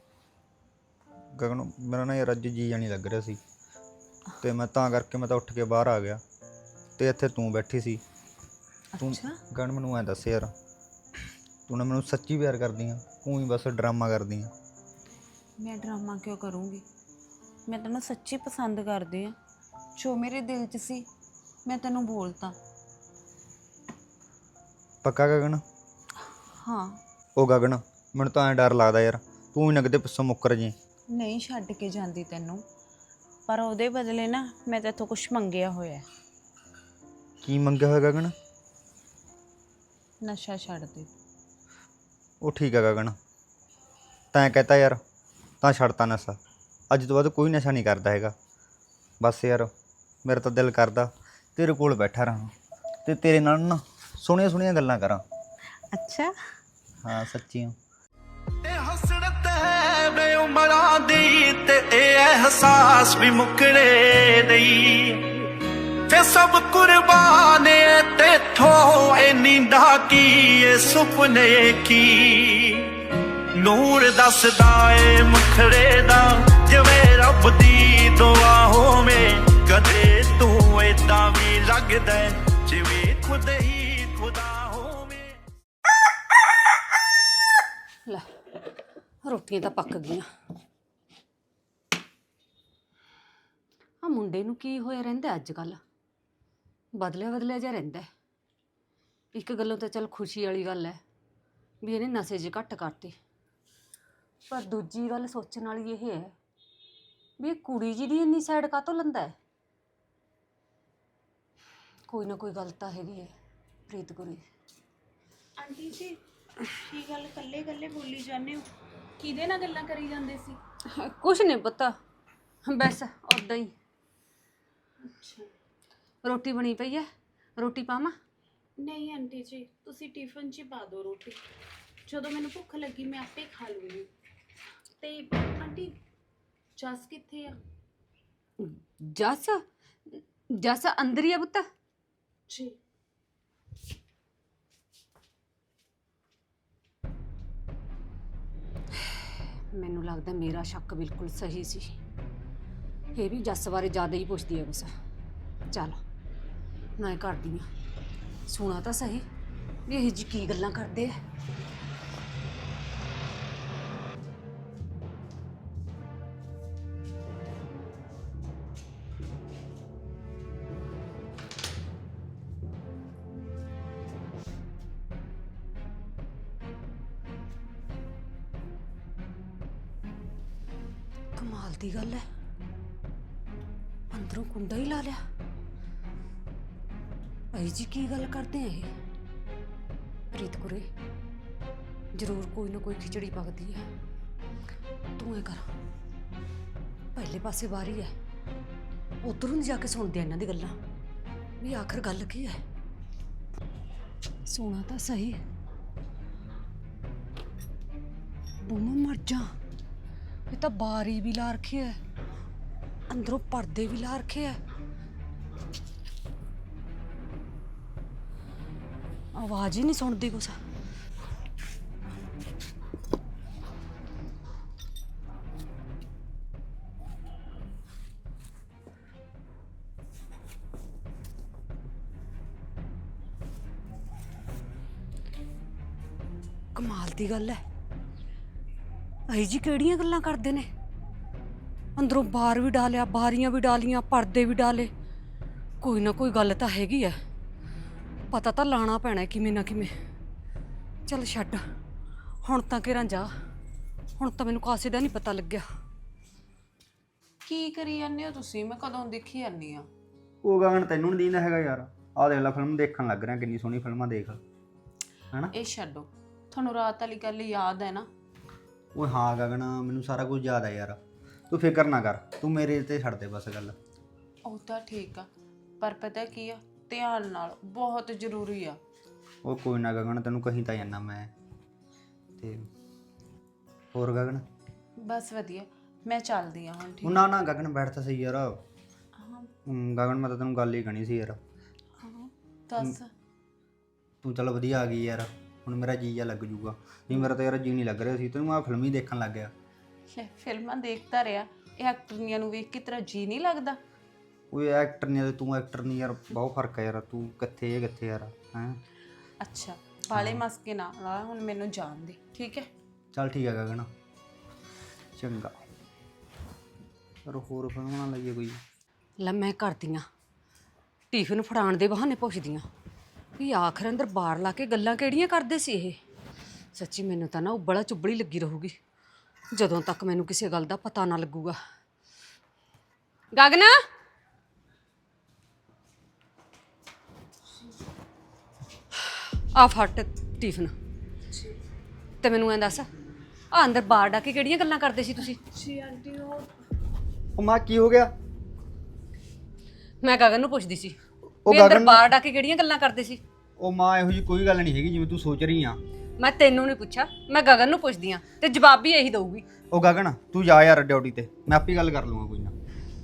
ਗਗਨ ਮੇਰਾ ਨਾ ਯਾਰ ਅੱਜ ਜੀ ਜਾਣੀ ਲੱਗ ਰਿਹਾ ਸੀ ਤੇ ਮੈਂ ਤਾਂ ਕਰਕੇ ਮੈਂ ਤਾਂ ਉੱਠ ਕੇ ਬਾਹਰ ਆ ਗਿਆ ਤੇ ਇੱਥੇ ਤੂੰ ਬੈਠੀ ਸੀ। ਤੂੰ ਅੱਛਾ ਗਗਨ ਮੈਨੂੰ ਐਂ ਦੱਸ ਯਾਰ ਤੂੰ ਨਾ ਮੈਨੂੰ ਸੱਚੀ ਪਿਆਰ ਕਰਦੀ ਆ ਤੂੰ ਹੀ ਬਸ ਡਰਾਮਾ ਕਰਦੀ ਆ। ਮੈਂ ਡਰਾਮਾ ਕਿਉਂ ਕਰੂੰਗੀ, ਮੈਂ ਤੈਨੂੰ ਸੱਚੀ ਪਸੰਦ ਕਰਦੀ ਆ। ਜੋ ਮੇਰੇ ਦਿਲ 'ਚ ਸੀ ਮੈਂ ਤੈਨੂੰ ਬੋਲਤਾ। ਪੱਕਾ ਗਗਨ? ਹਾਂ ਉਹ ਗਗਨ ਮੈਨੂੰ ਤਾਂ ਐਂ ਡਰ ਲੱਗਦਾ ਯਾਰ ਤੂੰ ਹੀ ਨਾ ਕਿਤੇ ਪਿੱਛੋਂ ਮੁੱਕਰ ਜੀ। ਨਹੀਂ ਛੱਡ ਕੇ ਜਾਂਦੀ ਤੈਨੂੰ, ਪਰ ਉਹਦੇ ਬਦਲੇ ਨਾ ਮੈਂ ਤੇਥੋਂ ਕੁਝ ਮੰਗਿਆ ਹੋਇਆ। ਕੀ ਮੰਗਿਆ ਹੋਇਆ ਗਗਨ? ਨਸ਼ਾ ਛੱਡ ਦੇ। ਉਹ ਠੀਕ ਆ ਗਗਨ, ਤੈਂ ਕਹਤਾ ਯਾਰ ਤਾਂ ਛੱਡਤਾ ਨਸ਼ਾ। ਅੱਜ ਤੋਂ ਬਾਅਦ ਕੋਈ ਨਸ਼ਾ ਨਹੀਂ ਕਰਦਾ ਹੈਗਾ। ਬਸ ਯਾਰ ਮੇਰਾ ਤਾਂ ਦਿਲ ਕਰਦਾ ਤੇਰੇ ਕੋਲ ਬੈਠਾ ਰਹਾਂ ਤੇ ਤੇਰੇ ਨਾਲ ਨਾ ਸੋਹਣੀਆਂ ਸੋਹਣੀਆਂ ਗੱਲਾਂ ਕਰਾਂ। ਅੱਛਾ ਹਾਂ ਸੱਚੀਆਂ। ਤੇ ਹਸਰਤ ਹੈ ਬੇ ਉਮਰਾਂ ਦੀ ਤੇ ਇਹ ਅਹਿਸਾਸ ਵੀ ਮੁੱਕਣੇ ਨਹੀਂ। ਫੇ ਸਭ ਕੁਰਬਾਨ ਏ ਤੇਥੋਂ ਇਹ ਨੀਂਦਾਂ ਕੀ ਇਹ ਸੁਪਨੇ ਕੀ। ਨੂਰ ਦੱਸਦਾ ਏ ਮੁਖੜੇ ਦਾ ਜਿਵੇਂ ਰੱਬ ਦੀ ਦੁਆ ਹੋਵੇ। ਕਦੇ ਤੂੰ ਏਦਾਂ ਵੀ ਲੱਗਦਾ ਜਿਵੇਂ ਖੁਦ ਹੀ ਖੁਦਾ ਹੋਵੇ। ਲੈ ਰੋਟੀਆਂ ਤਾਂ ਪੱਕ ਗਈਆਂ। ਆ ਮੁੰਡੇ ਨੂੰ ਕੀ ਹੋਇਆ ਰਹਿੰਦਾ ਅੱਜ ਕੱਲ੍ਹ, ਬਦਲਿਆ ਬਦਲਿਆ ਜਿਹਾ ਰਹਿੰਦਾ। ਇੱਕ ਗੱਲੋਂ ਤਾਂ ਚੱਲ ਖੁਸ਼ੀ ਵਾਲੀ ਗੱਲ ਹੈ ਵੀ ਇਹਨੇ ਨਸ਼ੇ ਜਿਹੇ ਘੱਟ ਕਰਤੇ, ਪਰ ਦੂਜੀ ਗੱਲ ਸੋਚਣ ਵਾਲੀ ਇਹ ਹੈ ਵੀ ਇਹ ਕੁੜੀ ਜੀ ਦੀ ਇੰਨੀ ਸਾਈਡ ਕਾਹਤੋਂ ਲੈਂਦਾ ਹੈ। ਕੋਈ ਨਾ ਕੋਈ ਗੱਲ ਤਾਂ ਹੈਗੀ ਹੈ ਪ੍ਰੀਤ ਗੁਰੀ। ਆਂਟੀ ਜੀ ਕੀ ਗੱਲ ਕੱਲੇ ਕੱਲੇ ਬੋਲੀ ਜਾਂਦੇ ਹੋ, ਕਿਹਦੇ ਨਾਲ ਗੱਲਾਂ ਕਰੀ ਜਾਂਦੇ ਸੀ? ਕੁਛ ਨਹੀਂ ਪਤਾ, ਬਸ ਉਦਾਂ ਹੀ। ਅੱਛਾ ਰੋਟੀ ਬਣੀ ਪਈ ਹੈ, ਰੋਟੀ ਪਾਵਾਂ? ਨਹੀਂ ਆਂਟੀ ਜੀ ਤੁਸੀਂ ਟਿਫਨ 'ਚ ਹੀ ਪਾ ਦਿਓ ਰੋਟੀ, ਜਦੋਂ ਮੈਨੂੰ ਭੁੱਖ ਲੱਗੀ ਮੈਂ ਆਪੇ ਖਾ ਲੂੰਗੀ। ਤੇ ਆਂਟੀ ਜਸ ਕਿੱਥੇ ਆ? ਜੱਸ ਜੱਸ ਅੰਦਰ ਹੀ ਆ ਪੁੱਤ। ਜੀ ਮੈਨੂੰ ਲੱਗਦਾ ਮੇਰਾ ਸ਼ੱਕ ਬਿਲਕੁਲ ਸਹੀ ਸੀ। ਇਹ ਵੀ ਜੱਸ ਬਾਰੇ ਜ਼ਿਆਦਾ ਹੀ ਪੁੱਛਦੀ ਹੈ ਬਸ। ਚੱਲ ਮੈਂ ਕਰਦੀ ਆ, ਸੁਣਾ ਤਾਂ ਸਹੀ ਵੀ ਇਹ ਜੀ ਕੀ ਗੱਲਾਂ ਕਰਦੇ ਆ। ਕਮਾਲ ਦੀ ਗੱਲ ਹੈ, ਅੰਦਰੋਂ ਕੁੰਡਾ ਹੀ ਲਾ ਲਿਆ। ਭਾਈ ਜੀ ਕੀ ਗੱਲ ਕਰਦੇ ਆ ਇਹ? ਪ੍ਰੀਤ ਕੁਰੇ ਜ਼ਰੂਰ ਕੋਈ ਨਾ ਕੋਈ ਖਿਚੜੀ ਪੱਕਦੀ ਹੈ। ਤੂੰ ਐ ਕਰ, ਪਹਿਲੇ ਪਾਸੇ ਬਾਰੀ ਹੈ, ਉਧਰੋਂ ਜਾ ਕੇ ਸੁਣਦੇ ਆ ਇਹਨਾਂ ਦੀ ਗੱਲਾਂ ਵੀ ਆਖਰ ਗੱਲ ਕੀ ਹੈ। ਸੁਣਾ ਤਾਂ ਸਹੀ। ਬੂਮ ਮਰ ਜਾ, ਇਹ ਤਾਂ ਬਾਰੀ ਵੀ ਲਾ ਰੱਖੀ ਹੈ, ਅੰਦਰੋਂ ਪਰਦੇ ਵੀ ਲਾ ਰੱਖੇ ਹੈ। ਆਵਾਜ਼ ਹੀ ਨਹੀਂ ਸੁਣਦੀ ਕੁਛ। ਕਮਾਲ ਦੀ ਗੱਲ ਹੈ, ਭਾਈ ਜੀ ਕਿਹੜੀਆਂ ਗੱਲਾਂ ਕਰਦੇ ਨੇ? ਅੰਦਰੋਂ ਬਾਰ ਵੀ ਡਾਲਿਆ, ਬਾਰੀਆਂ ਵੀ ਡਾਲੀਆਂ, ਪਰਦੇ ਵੀ ਡਾਲੇ। ਕੋਈ ਨਾ ਕੋਈ ਗੱਲ ਤਾਂ ਹੈਗੀ ਐ, ਪਤਾ ਤਾਂ ਲਾਣਾ ਪੈਣਾ ਕਿਵੇਂ ਨਾ ਕਿਵੇਂ। ਚੱਲ ਛੱਡ, ਹੁਣ ਤਾਂ ਕਿਰਾਂ ਜਾ, ਹੁਣ ਤਾਂ ਮੈਨੂੰ ਕਾਸੇ ਦਾ ਨਹੀਂ ਪਤਾ ਲੱਗਿਆ। ਕੀ ਕਰੀ ਜਾਂਦੇ ਹੋ ਤੁਸੀਂ? ਮੈਂ ਕਦੋਂ ਦੇਖੀ ਜਾਂਦੀ ਆ। ਉਹ ਗਗਨ ਤੈਨੂੰ ਨਹੀਂ ਦੀਂਦਾ ਹੈਗਾ ਯਾਰ? ਆਹ ਦੇਖ ਲੈ, ਫਿਲਮ ਦੇਖਣ ਲੱਗ ਰਿਹਾ, ਕਿੰਨੀ ਸੋਹਣੀ ਫਿਲਮਾਂ ਦੇਖ ਹੈਨਾ। ਇਹ ਛੱਡੋ, ਤੁਹਾਨੂੰ ਰਾਤ ਵਾਲੀ ਗੱਲ ਯਾਦ ਹੈ ਨਾ? ਓਏ ਹਾਂ ਗਗਨ, ਮੈਨੂੰ ਸਾਰਾ ਕੁਝ ਯਾਦ ਆ ਯਾਰ, ਤੂੰ ਫਿਕਰ ਨਾ ਕਰ, ਤੂੰ ਮੇਰੇ ਤੇ ਛੱਡ ਦੇ ਬਸ ਗੱਲ। ਉਹ ਤਾਂ ਠੀਕ ਆ, ਪਰ ਪਤਾ ਕੀ ਆ, ਧਿਆਨ ਨਾਲ, ਬਹੁਤ ਜ਼ਰੂਰੀ ਆ। ਉਹ ਕੋਈ ਨਾ ਗਗਨ, ਤੈਨੂੰ ਕਹੀਂ ਤਾਂ ਜਾਂਦਾ ਮੈਂ। ਤੇ ਹੋਰ ਗਗਨ? ਬਸ ਵਧੀਆ, ਮੈਂ ਚੱਲਦੀ ਆ ਹੁਣ। ਉਹ ਠੀਕ ਨਾ ਨਾ ਗਗਨ, ਬੈਠ ਤਾਂ ਸਹੀ ਯਾਰ। ਹਾਂ ਹਮ, ਗਗਨ ਮੈਂ ਤਾਂ ਤੈਨੂੰ ਗੱਲ ਹੀ ਕਹਣੀ ਸੀ ਯਾਰ। ਹਾਂ ਦੱਸ। ਤੂੰ ਚੱਲ ਵਧੀਆ ਆ ਗਈ ਯਾਰ, ਹੁਣ ਮੇਰਾ ਜੀ ਜਾ ਲੱਗ ਜੂਗਾ। ਨਹੀਂ ਮੇਰਾ ਤਾਂ ਯਾਰ ਜੀ ਨਹੀਂ ਲੱਗ ਰਿਹਾ ਸੀ, ਤੈਨੂੰ ਮੈਂ ਫਿਲਮ ਹੀ ਦੇਖਣ ਲੱਗ ਗਿਆ। ਲੈ, ਫਿਲਮਾਂ ਦੇਖਦਾ ਰਿਹਾ, ਇਹ ਐਕਟਰੀਆਂ ਨੂੰ ਵੇਖ ਕੇ ਤੇਰਾ ਜੀ ਨਹੀਂ ਲੱਗਦਾ? ਓਏ ਐਕਟਰ ਨਹੀਂ, ਤੂੰ ਐਕਟਰ ਨਹੀਂ ਯਾਰ, ਬਹੁਤ ਫਰਕ ਹੈ ਯਾਰ। ਤੂੰ ਕਿੱਥੇ ਇਹ ਕਿੱਥੇ ਯਾਰ ਹੈਂ। ਅੱਛਾ, ਬਾਲੇ ਮਸਕੇ ਨਾ ਲਾ, ਹੁਣ ਮੈਨੂੰ ਜਾਣ ਦੇ, ਠੀਕ ਹੈ? ਚੱਲ ਠੀਕ ਹੈ ਗਗਨ, ਚੰਗਾ। ਪਰ ਹੋਰ ਫਿਲਮਾਂ ਨਾ ਲਈਏ ਕੋਈ। ਲੈ ਮੈਂ ਕਰਦੀ ਆਂ, ਟਿਫਿਨ ਫੜਾਉਣ ਦੇ ਬਹਾਨੇ ਪੁੱਛਦੀ ਆਂ ਵੀ ਆਖਰ ਅੰਦਰ ਬਾਰ ਲਾ ਕੇ ਗੱਲਾਂ ਕਿਹੜੀਆਂ ਕਰਦੇ ਸੀ ਇਹ। ਸੱਚੀ ਮੈਨੂੰ ਤਾਂ ਨਾ ਉਬਲਾ ਚੁੱਬੜੀ ਲੱਗੀ ਰਹੂਗੀ ਜਦੋਂ ਤੱਕ ਮੈਨੂੰ ਕਿਸੇ ਗੱਲ ਦਾ ਪਤਾ ਨਾ ਲੱਗੂਗਾ। ਗਗਨਾ, ਆ ਫਟ ਟਿਫਨ ਤੇ ਮੈਨੂੰ ਐਂ ਦੱਸ, ਆ ਅੰਦਰ ਬਾਰ ਡਾ ਕੇ ਕਿਹੜੀਆਂ ਗੱਲਾਂ ਕਰਦੇ ਸੀ ਤੁਸੀਂ? ਜੀ ਆਂਟੀ, ਉਹ ਉਹ ਮਾਂ ਕੀ ਹੋ ਗਿਆ? ਮੈਂ ਗਗਨ ਨੂੰ ਪੁੱਛਦੀ ਸੀ ਉਹ ਵੀ ਅੰਦਰ ਗਗਨ- ਬਾਰ ਡਾ ਕੇ ਕਿਹੜੀਆਂ ਗੱਲਾਂ ਕਰਦੇ ਸੀ। ਉਹ ਮਾਂ ਇਹੋ ਜਿਹੀ ਕੋਈ ਗੱਲ ਨਹੀਂ ਹੈਗੀ ਜਿਵੇਂ ਤੂੰ ਸੋਚ ਰਹੀ ਆ। ਮੈਂ ਤੈਨੂੰ ਨਹੀਂ ਪੁੱਛਿਆ, ਮੈਂ ਗਗਨ ਨੂੰ ਪੁੱਛਦੀ ਆ ਤੇ ਜਵਾਬ ਵੀ ਇਹੀ ਦਊਗੀ। ਉਹ ਗਗਨ ਤੂੰ ਜਾ ਯਾਰ ਡਿਊਟੀ ਤੇ, ਮੈਂ ਆਪੇ ਗੱਲ ਕਰ ਲੂੰਗਾ ਕੋਈ ਨਾ।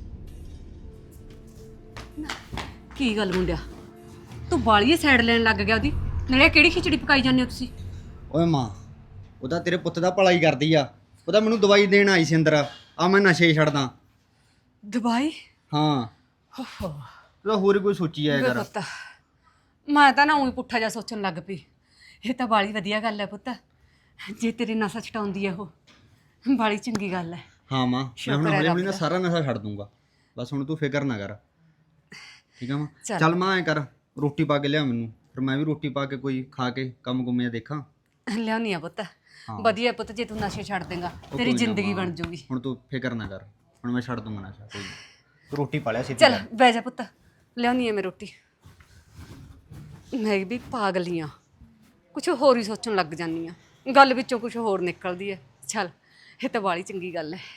ਕੀ ਗੱਲ ਮੁੰਡਿਆ, ਤੂੰ ਬਾਲੀਏ ਸਾਈਡ ਲੈਣ ਲੱਗ ਗਿਆ ਉਹਦੀ। ਨਾਲੇ ਕਿਹੜੀ ਖਿਚੜੀ ਪਕਾਈ ਜਾਂਦੇ ਹੋ ਤੁਸੀਂ? ਓਏ ਮਾਂ, ਉਹਦਾ ਤੇਰੇ ਪੁੱਤ ਦਾ ਭਲਾ ਹੀ ਕਰਦੀ ਆ, ਉਹਦਾ ਮੈਨੂੰ ਦਵਾਈ ਦੇਣ ਆਈ ਸੀ ਅੰਦਰ। ਆ ਮੈਂ ਨਸ਼ੇ ਛੱਡਦਾ। ਦਵਾਈ? ਹਾਂ, ਓਹੋ ਉਹਦਾ ਹੋਰ ਹੀ ਕੋਈ ਸੋਚੀ ਆ ਯਾਰ। ਪੁੱਤ, ਮੈਂ ਤਾਂ ਨਾ ਉਹੀ ਪੁੱਠਾ ਜਿਹਾ ਸੋਚਣ ਲੱਗ ਪਈ। ਇਹ ਤਾਂ ਬਾਲੀ ਵਧੀਆ ਗੱਲ ਹੈ ਪੁੱਤ, ਜੇ ਤੇਰੇ ਨਸ਼ਾ ਛਡਾਉਂਦੀ ਹੈ ਉਹ, ਬਾਲੀ ਚੰਗੀ ਗੱਲ ਹੈ। ਹਾਂ ਮਾਂ, ਮੈਂ ਸ਼ੁਕਰ ਹੁਣ ਹੈ ਹੌਲੀ ਹੌਲੀ ਰੱਬ ਨਾ ਦਾ। ਸਾਰਾ ਨਸ਼ਾ ਛੱਡ ਦੂੰਗਾ, ਬਸ ਹੁਣ ਤੂੰ ਫਿਕਰ ਨਾ ਕਰ, ਠੀਕ ਆ ਮਾਂ? ਚੱਲ। ਚੱਲ ਮਾਂ ਐ ਕਰ, ਰੋਟੀ ਪਾ ਕੇ ਲਿਆ ਮੈਨੂੰ, ਫਿਰ ਮੈਂ ਵੀ ਰੋਟੀ ਪਾ ਕੇ ਕੋਈ ਖਾ ਕੇ ਕੰਮ ਕੁੰਮਿਆ ਦੇਖਾਂ। ਲਿਆਉਣੀ ਆ ਪੁੱਤ, ਹਾਂ। ਵਧੀਆ ਪੁੱਤ, ਜੇ ਤੂੰ ਨਸ਼ੇ ਛੱਡ ਦੇਂਗਾ ਉਹ ਤੇਰੀ ਕੋਈ ਨਾ ਜ਼ਿੰਦਗੀ ਮਾਂ, ਬਣ ਜੂਗੀ। ਹੁਣ ਤੂੰ ਫਿਕਰ ਨਾ ਕਰ, ਹੁਣ ਮੈਂ ਛੱਡ ਦੂੰਗਾ ਨਸ਼ਾ। ਕੋਈ ਤੂੰ ਰੋਟੀ ਪਾ ਲਿਆ ਸੀ। ਚੱਲ ਬਹਿ ਜਾ ਪੁੱਤ, ਲਿਆਉਣੀ ਆ ਮੈਂ ਰੋਟੀ। ਮੈਂ ਵੀ ਪਾਗਲੀ ਆ, ਕੁਛ ਹੋਰ ਹੀ ਸੋਚਣ ਲੱਗ ਜਾਂਦੀ ਆ, ਗੱਲ ਵਿੱਚੋਂ ਕੁਛ ਹੋਰ ਨਿਕਲਦੀ ਹੈ। ਚੱਲ, ਇਹ ਤਾਂ ਬਾਲੀ ਚੰਗੀ ਗੱਲ ਹੈ।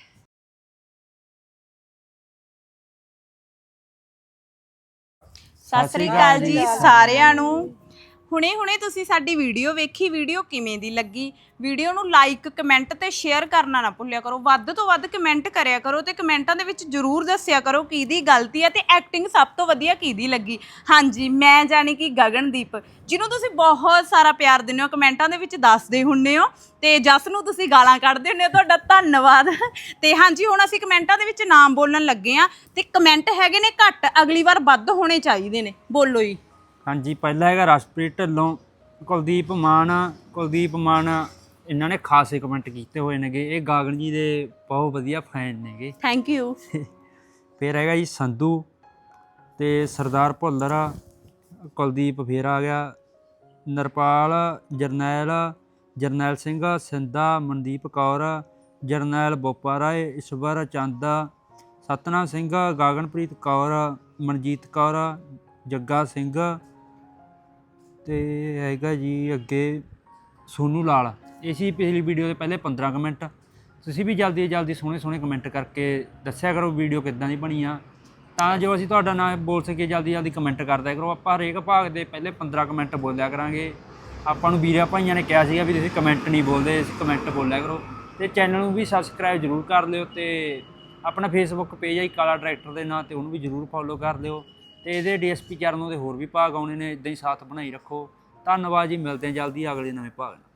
ਸਤਿ ਸ੍ਰੀ ਅਕਾਲ ਜੀ ਸਾਰਿਆਂ ਨੂੰ। ਹੁਣੇ-ਹੁਣੇ ਤੁਸੀਂ ਸਾਡੀ ਵੀਡੀਓ ਵੇਖੀ, ਵੀਡੀਓ ਕਿਵੇਂ ਦੀ ਲੱਗੀ? ਵੀਡੀਓ ਨੂੰ ਲਾਈਕ, ਕਮੈਂਟ ਤੇ ਸ਼ੇਅਰ ਕਰਨਾ ਨਾ ਭੁੱਲਿਆ ਕਰੋ। ਵੱਧ ਤੋਂ ਵੱਧ ਕਮੈਂਟ ਕਰਿਆ ਕਰੋ ਤੇ ਕਮੈਂਟਾਂ ਦੇ ਵਿੱਚ ਜ਼ਰੂਰ ਦੱਸਿਆ ਕਰੋ ਕਿਹਦੀ ਗਲਤੀ ਹੈ ਤੇ ਐਕਟਿੰਗ ਸਭ ਤੋਂ ਵਧੀਆ ਕਿਹਦੀ ਲੱਗੀ। ਹਾਂਜੀ, ਮੈਂ ਜਾਣੀ ਕਿ ਗਗਨਦੀਪ, ਜਿਹਨੂੰ ਤੁਸੀਂ ਬਹੁਤ ਸਾਰਾ ਪਿਆਰ ਦਿੰਦੇ ਹੋ, ਕਮੈਂਟਾਂ ਦੇ ਵਿੱਚ ਦੱਸਦੇ ਹੁੰਦੇ ਹੋ ਤੇ ਜਸ ਨੂੰ ਤੁਸੀਂ ਗਾਲਾਂ ਕੱਢਦੇ ਹੁੰਦੇ ਹੋ, ਤੁਹਾਡਾ ਧੰਨਵਾਦ। ਤੇ ਹਾਂਜੀ, ਹੁਣ ਅਸੀਂ ਕਮੈਂਟਾਂ ਦੇ ਵਿੱਚ ਨਾਮ ਬੋਲਣ ਲੱਗੇ ਆ ਤੇ ਕਮੈਂਟ ਹੈਗੇ ਨੇ ਘੱਟ, ਅਗਲੀ ਵਾਰ ਵੱਧ ਹੋਣੇ ਚਾਹੀਦੇ ਨੇ। ਬੋਲੋ ਜੀ। ਹਾਂਜੀ, ਪਹਿਲਾ ਹੈਗਾ ਰਸ਼ਪ੍ਰੀਤ ਢਿੱਲੋਂ, ਕੁਲਦੀਪ ਮਾਨ ਕੁਲਦੀਪ ਮਾਨ ਇਹਨਾਂ ਨੇ ਖਾਸੇ ਕਮੈਂਟ ਕੀਤੇ ਹੋਏ ਨੇਗੇ। ਇਹ ਗਾਗਨ ਜੀ ਦੇ ਬਹੁਤ ਵਧੀਆ ਫੈਨ ਨੇਗੇ। Thank you. ਫਿਰ ਹੈਗਾ ਜੀ ਸੰਧੂ ਤੇ ਸਰਦਾਰ ਭੁੱਲਰ, ਕੁਲਦੀਪ ਫਿਰ ਆ ਗਿਆ, ਨਰਪਾਲ, ਜਰਨੈਲ ਜਰਨੈਲ ਸਿੰਘ, ਸਿੰਧਾ, ਮਨਦੀਪ ਕੌਰ, ਜਰਨੈਲ ਬੋਪਾ ਰਾਏ, ਈਸ਼ਵਰ ਚੰਦ, ਸਤਨਾਮ ਸਿੰਘ, ਗਗਨਪ੍ਰੀਤ ਕੌਰ, ਮਨਜੀਤ ਕੌਰ, ਜੱਗਾ ਸਿੰਘ ਤੇ ਹੈਗਾ ਜੀ ਅੱਗੇ ਸੋਨੂ ਲਾਲ। ਇਹ ਸੀ ਪਿਛਲੀ ਵੀਡੀਓ ਦੇ ਪਹਿਲੇ ਪੰਦਰਾਂ ਕਮੈਂਟ। ਤੁਸੀਂ ਵੀ ਜਲਦੀ ਜਲਦੀ ਸੋਹਣੇ ਸੋਹਣੇ ਕਮੈਂਟ ਕਰਕੇ ਦੱਸਿਆ ਕਰੋ ਵੀਡੀਓ ਕਿੱਦਾਂ ਦੀ ਬਣੀ ਆ, ਤਾਂ ਜੋ ਅਸੀਂ ਤੁਹਾਡਾ ਨਾਮ ਬੋਲ ਸਕੀਏ। ਜਲਦੀ ਜਲਦੀ ਕਮੈਂਟ ਕਰਦਿਆ ਕਰੋ। ਆਪਾਂ ਹਰੇਕ ਭਾਗ ਦੇ ਪਹਿਲੇ ਪੰਦਰਾਂ ਕਮੈਂਟ ਬੋਲਿਆ ਕਰਾਂਗੇ। ਆਪਾਂ ਨੂੰ ਵੀਰਾਂ ਭਾਈਆਂ ਨੇ ਕਿਹਾ ਸੀਗਾ ਵੀ ਤੁਸੀਂ ਕਮੈਂਟ ਨਹੀਂ ਬੋਲਦੇ, ਅਸੀਂ ਕਮੈਂਟ ਬੋਲਿਆ ਕਰੋ। ਅਤੇ ਚੈਨਲ ਨੂੰ ਵੀ ਸਬਸਕ੍ਰਾਈਬ ਜ਼ਰੂਰ ਕਰ ਲਿਓ ਅਤੇ ਆਪਣਾ ਫੇਸਬੁੱਕ ਪੇਜ ਹੈ ਕਾਲਾ ਟਰੈਕਟਰ ਦੇ ਨਾਂ 'ਤੇ ਉਹਨੂੰ ਵੀ ਜ਼ਰੂਰ ਫੋਲੋ ਕਰ ਲਿਓ। ਅਤੇ ਇਹਦੇ ਡੀ ਐਸ ਪੀ ਚੈਨਲ ਦੇ ਹੋਰ ਵੀ ਭਾਗ ਆਉਣੇ ਨੇ। ਇੱਦਾਂ ਹੀ ਸਾਥ ਬਣਾਈ ਰੱਖੋ। ਧੰਨਵਾਦ ਜੀ, ਮਿਲਦੇ ਹਾਂ ਜਲਦੀ ਅਗਲੇ ਨਵੇਂ ਭਾਗ ਨਾਲ।